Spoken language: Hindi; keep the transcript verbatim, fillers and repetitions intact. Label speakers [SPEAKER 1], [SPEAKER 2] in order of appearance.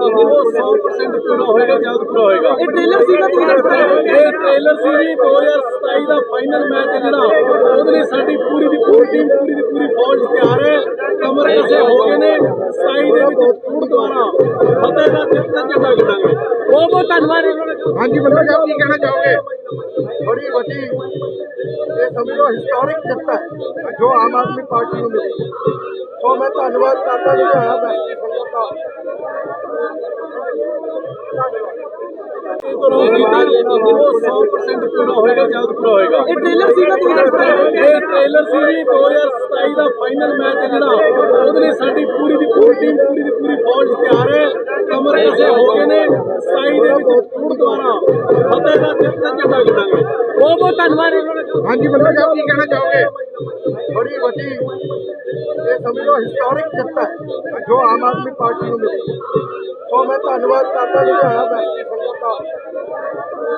[SPEAKER 1] वो सौ परसेंट पूरा होएगा, जल्द पूरा होएगा।
[SPEAKER 2] ਇਹ ਟ੍ਰੇਲਰ ਸੀਗਾ
[SPEAKER 1] ਇਹ ਟ੍ਰੇਲਰ ਸੀ ਜੀ दो हज़ार सताई ਦਾ ਫਾਈਨਲ ਮੈਚ ਜਿਹੜਾ ਉਹਦੇ ਲਈ ਸਾਡੀ ਪੂਰੀ ਦੀ ਪੂਰੀ ਟੀਮ ਪੂਰੀ ਦੀ ਪੂਰੀ ਫੌਜ ਤਿਆਰ ਹੈ। ਕਮਰ ਕਸੇ ਹੋ ਗਏ ਨੇ ਸਤਾਈ ਦੇ ਵਿੱਚ ਟੂਰ ਦੁਆਰਾ ਫਤਿਹ ਦਾ ਝੰਡਾ ਗੱਡਾਂਗੇ।
[SPEAKER 2] ਬਹੁਤ ਬਹੁਤ ਧੰਨਵਾਦ।
[SPEAKER 3] हाँ जी मतलब आप ये कहना चाहोगे बड़ी वड्डी ये समझो हिस्टोरिक जित है जो आम आदमी पार्टी को मिली, तो मैं धन्यवाद करता हूँ जो है वैसी संगत का
[SPEAKER 1] वो सौ परसेंट पूरा होएगा, जल्द पूरा होएगा।
[SPEAKER 2] ਇਹ ਟ੍ਰੇਲਰ ਸੀਗਾ
[SPEAKER 1] ਇਹ ਟ੍ਰੇਲਰ ਸੀ ਜੀ दो हज़ार सताई ਦਾ ਫਾਈਨਲ ਮੈਚ ਜਿਹੜਾ ਉਹਦੇ ਲਈ ਸਾਡੀ ਪੂਰੀ ਦੀ ਪੂਰੀ ਟੀਮ ਪੂਰੀ ਦੀ ਪੂਰੀ ਫੌਜ ਤਿਆਰ ਹੈ। ਕਮਰ ਕਸੇ ਹੋ ਗਏ ਨੇ ਸਤਾਈ ਦੇ ਵਿੱਚ ਟੂਰ ਦੁਆਰਾ ਫਤਿਹ ਦਾ ਝੰਡਾ ਗੱਡਾਂਗੇ।
[SPEAKER 2] ਬਹੁਤ ਬਹੁਤ ਧੰਨਵਾਦ।
[SPEAKER 3] हाँ जी मतलब आप ये कहना चाहोगे बड़ी वड्डी ये समझो हिस्टोरिक जित है जो आम आदमी पार्टी को मिली, तो मैं धन्यवाद करता हूँ जो है वैसी संगत का